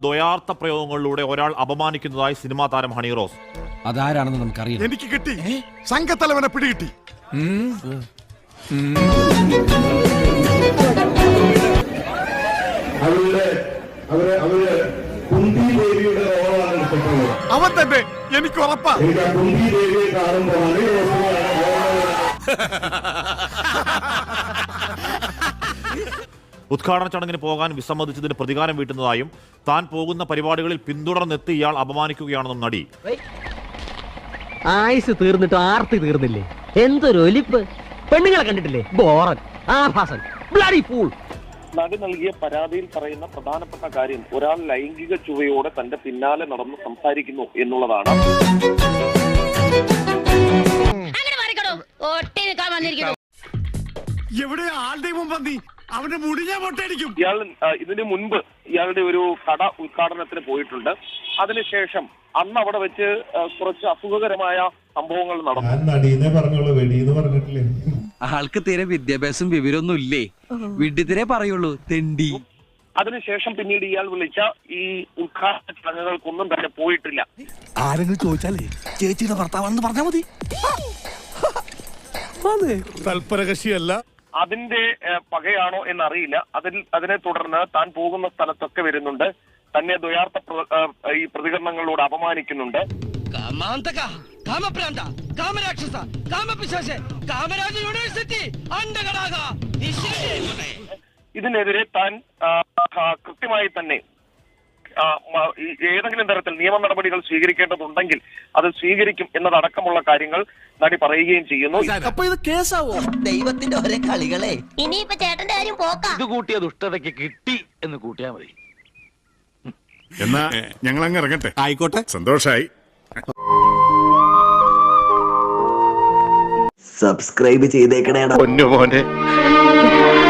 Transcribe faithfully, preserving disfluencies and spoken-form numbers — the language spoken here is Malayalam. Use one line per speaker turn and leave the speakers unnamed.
ദ്വയാർത്ഥ പ്രയോഗങ്ങളിലൂടെ ഒരാൾ അപമാനിക്കുന്നതായി സിനിമാ താരം ഹണി റോസ്.
അതാരാണെന്ന് നമുക്കറിയാം.
എനിക്ക് കിട്ടി, സംഘത്തലവനെ പിടികിട്ടി. അവൻ തന്നെ, എനിക്ക് ഉറപ്പാ.
ഉദ്ഘാടന ചടങ്ങിന് പോകാൻ വിസമ്മതിച്ചതിന് പ്രതികാരം വീട്ടുന്നതായും താൻ പോകുന്ന പരിപാടികളിൽ പിന്തുടർന്നെത്തി ഇയാൾ അപമാനിക്കുകയാണെന്നും നടി.
ആയുസ് തീർന്നിട്ട് ആർത്തി തീർന്നില്ലേ? എന്തൊരു ഒലിപ്പ്! പെണ്ണുങ്ങളെ കണ്ടിട്ടില്ലേ? ബോറൻ, ആഭാസൻ, ബ്ലഡി ഫൂൾ.
നടി നൽകിയ പരാതിയിൽ പറയുന്ന പ്രധാനപ്പെട്ട കാര്യം ഒരാൾ ലൈംഗിക ചുവയോടെ തന്റെ പിന്നാലെ നടന്ന് സംസാരിക്കുന്നു എന്നുള്ളതാണ്.
എവിടെ ആളുടെ മുമ്പ് അവന്റെ മുടി ഞാൻ പൊട്ടടിക്കും.
ഇയാൾ ഇതിനു മുൻപ് ഇയാളുടെ ഒരു കട ഉദ്ഘാടനത്തിന് പോയിട്ടുണ്ട്. അതിനുശേഷം അന്ന് അവിടെ വെച്ച് കുറച്ച് അസുഖകരമായ സംഭവങ്ങൾ നടന്നു.
ആൾക്ക് തീരെ വിദ്യാഭ്യാസം വിവരമൊന്നും ഇല്ലേ? വിഡ്ഢിത്തിരെ പറയുള്ളൂ, തെണ്ടി.
അതിനുശേഷം പിന്നീട് ഇയാൾ വിളിച്ച ഈ ഉദ്ഘാടന ചടങ്ങുകൾക്കൊന്നും തന്നെ പോയിട്ടില്ല.
ആരെങ്കിലും ചോദിച്ചാലേ ചേച്ചിയുടെ ഭർത്താവാണെന്ന് പറഞ്ഞാൽ മതി. തൽപരകക്ഷിയല്ല.
അതിന്റെ പകയാണോ എന്നറിയില്ല. അതിൽ അതിനെ തുടർന്ന് താൻ പോകുന്ന സ്ഥലത്തൊക്കെ വരുന്നുണ്ട്, തന്നെ ദ്വയാർത്ഥ ഈ പ്രതികരണങ്ങളോട് അപമാനിക്കുന്നുണ്ട്. ഇതിനെതിരെ താൻ കൃത്യമായി തന്നെ ഏതെങ്കിലും തരത്തിൽ നിയമ നടപടികൾ സ്വീകരിക്കേണ്ടതുണ്ടെങ്കിൽ അത് സ്വീകരിക്കും എന്നതടക്കമുള്ള കാര്യങ്ങൾ നടി പറയുകയും ചെയ്യുന്നു.
അപ്പൊ ഇത് കേസാവോ?
ദൈവത്തിന്റെ ഒരേ കളികളെ.
ഇനിയിപ്പോ ചേട്ടന്റെ കാര്യം പോക്കാം.
ഇത് കൂട്ടിയ ദുഷ്ടതയ്ക്ക് കിട്ടി എന്ന് കൂട്ടിയാ മതി.
എന്നാ ഞങ്ങൾ അങ്ങ് ഇറങ്ങട്ടെ.
ആയിക്കോട്ടെ,
സന്തോഷായി.
സബ്സ്ക്രൈബ് ചെയ്തേക്കണേ.
പൊന്നു മോനെ.